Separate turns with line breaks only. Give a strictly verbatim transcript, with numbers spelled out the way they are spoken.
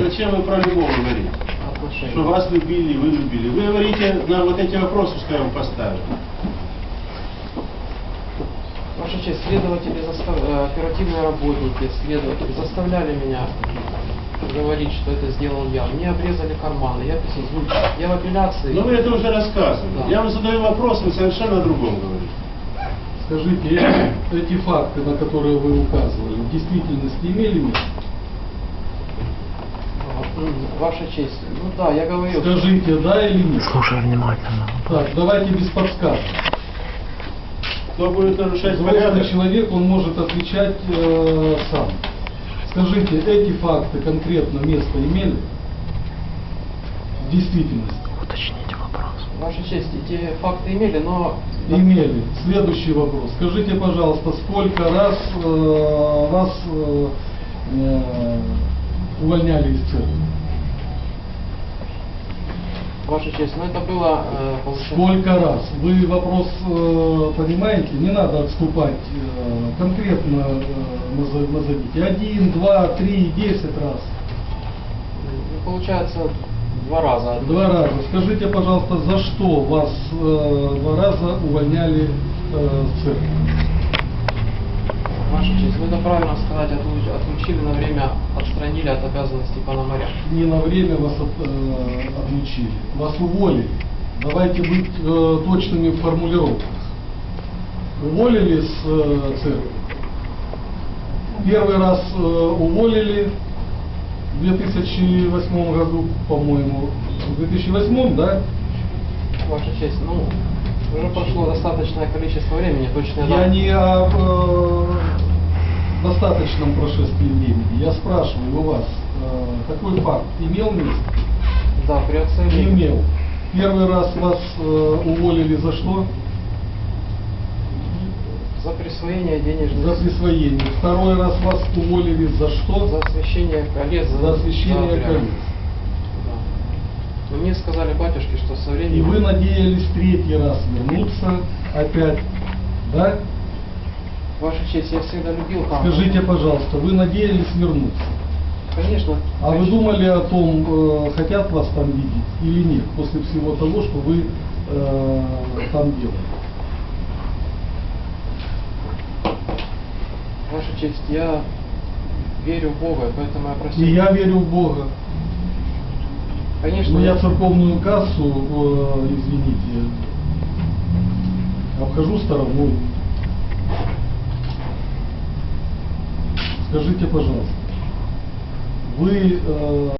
зачем вы про любовь говорите?
Отношения.
Что вас любили, вы любили. Вы говорите на вот эти вопросы, что я вам поставил.
Ваша честь, следователи, застав... э, оперативные работники, следователи заставляли меня говорить, что это сделал я. Мне обрезали карманы, я писал, я в апелляции.
Но вы это уже рассказывали.
Да.
Я вам задаю вопрос, вы совершенно о другом говорите.
Скажите, эти, эти факты, на которые вы указывали, в действительности имели место?
Ваша честь, ну да, я говорил.
Скажите, да или нет?
Слушай внимательно.
Так, давайте без подсказок.
Кто будет нарушать
Взрослый
порядок?
человек, он может отвечать э, сам. Скажите, эти факты конкретно место имели? В действительности?
Уточните вопрос.
Ваша честь, эти факты имели, но...
Имели. Следующий вопрос. Скажите, пожалуйста, сколько раз э, вас э, э, увольняли из церкви?
Ваша честь, ну это было... Э, получается...
Сколько раз? Вы вопрос э, понимаете? Не надо отступать. Э, конкретно э, назов- назовите. Один, два, три, десять раз.
Ну, получается, два раза.
Два раза. Скажите, пожалуйста, за что вас э, два раза увольняли э, с церкви?
Ваша честь, ну это правильно сказать, отлуч- отлучили на время, отстранили от обязанностей пономаря.
Не на время вас от- э, отлучили. Вас уволили. Давайте быть э, точными в формулировках. Уволили с э, церкви. Первый раз э, уволили в две тысячи восьмом году, по-моему. В две тысячи восьмом, да?
Ваша честь, ну, уже прошло достаточное количество времени, точно
Я не о э, достаточном прошествии времени. Я спрашиваю у вас, э, такой факт имел место?
Да, при
Не
оценке.
имел. Первый раз вас э, уволили за что?
За присвоение денежных...
За присвоение. Второй раз вас уволили за что?
За освящение колец.
За освящение
обряд.
колец.
Да. Но мне сказали батюшки, что со
И
временем...
вы надеялись третий раз вернуться опять, да?
Ваша честь, я всегда любил храм.
Скажите, пожалуйста, вы надеялись вернуться?
Конечно.
А вы
конечно.
думали о том, э, хотят вас там видеть или нет, после всего того, что вы э, там делали?
Ваша честь, я верю в Бога, поэтому я просил...
И я верю в Бога.
Конечно,
Но я
я-
церковную кассу, э, извините, обхожу стороной. Скажите, пожалуйста, вы... э,